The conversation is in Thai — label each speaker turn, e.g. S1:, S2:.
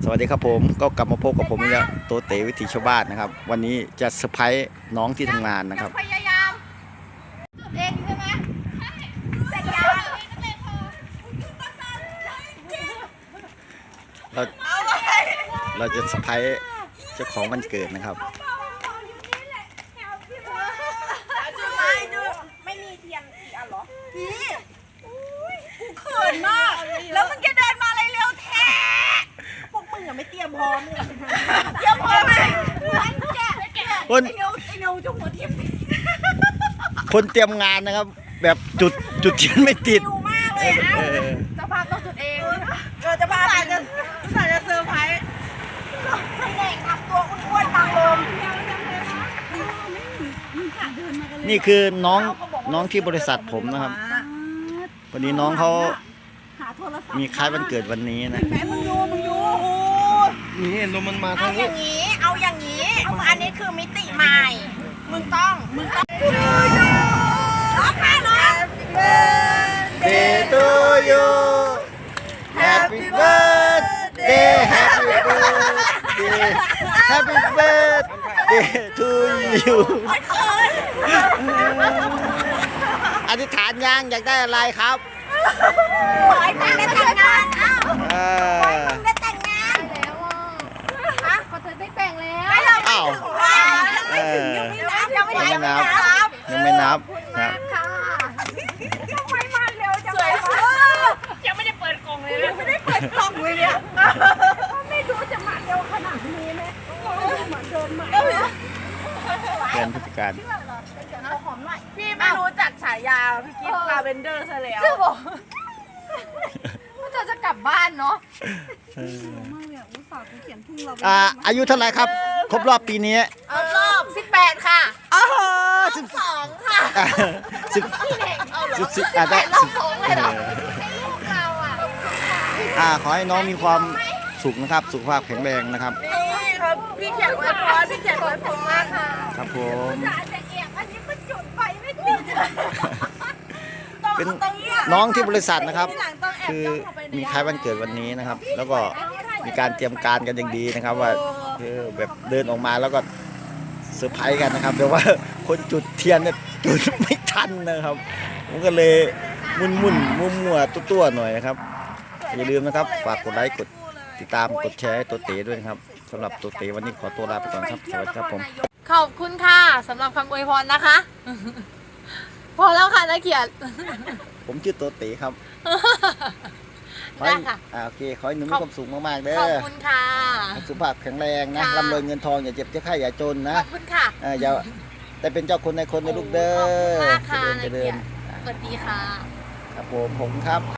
S1: สวัสดีครับผมก็กลับมาพบกับผมเนี่ยโตเตวิถีชาวบ้านนะครับวันนี้จะเซอร์ไพรส์น้องที่ทำงานนะครับ
S2: พยายามเองใช่ไหมเสร็จยัง
S1: เราจะเซอร์ไพรส์เจ้าของวันเกิดนะครับ
S2: ไม่มีเทียนอีกอันหรอพี่กูเขินมากแล้วมึงจะเดินมาอะไรเร็วแท้พวกมึงอะไม่เตรียมพร้อมเลยเตรียมพร้อมไหม
S1: คน
S2: ไอ้เนียวจงหัวทิ่ม
S1: คนเตรียมงานนะครับแบบจุดเทียนไม่ติด
S2: มากเลยจะพาต้องจุดเองจะพาจะเซอร์ไพรส์ให้เด็กทำตัวอ้วนๆตามลม
S1: นี่คือน้องที่บริษัทผมนะครับวันนี้น้องเขามีคล้ายวันเกิดวันนี้นะ
S2: แม่มึงอยู่
S1: นี่เห็นลมมันมาทางนี้
S2: เอาอย่างนี้อันนี้คือมิติใหม่มึงต้องร้องไห้เหรอ
S1: Day to you Happy birthday Happy birthday to you อธิษฐานยังอยากได้อะไรครับ
S2: ขอให้มึงได้แต่งงานขอให้มึงได้แต่งงานแล้วฮะขอเธอได้แต่งแล้ว
S1: อ้าว
S2: ยังไม่นับ
S1: ครับยังไม่นับครับ
S2: ยังไม่มาเร็วจังเลยยังไม่ได้เปิดกล่องเลยไม่ได้เปิดกล่องเลยเนี่ยไม่รู้จะมาเร็วขนาดนี้ไหมเหมือนเดินมา
S1: เดือนพฤศจิกายน
S2: พี่ไม่รู้จักฉายาพี่กิ๊ฟลาเวนเดอร์ซะแล้วว่าจะกลับบ้านเนาะ
S1: อายุเท่าไหร่ครับครบรอบปีนี้
S2: รอบ18ค่ะ12ค่ะ
S1: 10ได้
S2: 12เลยเหรอ
S1: ขอให้น้องมีความสุขนะครับสุขภาพแข็งแรงนะครับ
S2: นี่ครับพี่เขียนไว้พอพี่เขียนไว้ผมมากค่ะ
S1: ครับผม
S2: จะเอียงอันนี้มันจุดไฟไม่ติด
S1: เป็นน้องที่บริษัทนะครับคือมีคล้ายวันเกิดวันนี้นะครับแล้วก็มีการเตรียมการกันอย่างดีนะครับว่าคือแบบเดินออกมาแล้วก็เซอร์ไพรส์กันนะครับแต่ว่าคนจุดเทียนเนี่ยจุดไม่ทันนะครับผมก็เลยมุ่นมั่วตัวหน่อยนะครับอย่าลืมนะครับฝากกดไลค์กดติดตามกดแชร์ให้ตัวเต๋ด้วยนะครับสำหรับตัวเต๋วันนี้ขอตัวลาไปก่อนครับสวัสดีครับผม
S2: ขอบคุณค่ะสำหรับคำอวยพรนะคะพอแล้วค่ะนักเกียรติ
S1: ผมชื่อตัวเต๋ครับ
S2: ได้ค่ะ
S1: โอเคขอให้หนุ่มมีความสุขมากๆเด้อ
S2: ขอบคุณค่ะ
S1: สุขภาพแข็งแรงนะร่ำรวยเงินทองอย่าเจ็บอย่าไข้อย่าจนนะ
S2: ขอบคุณค่ะ
S1: อย่าแต่เป็นเจ้าคนในคนในลูกเด้อ
S2: ขอบคุณมากค่ะนัก
S1: เจริญ
S2: สวัสดีค่ะ
S1: ครับผมครับ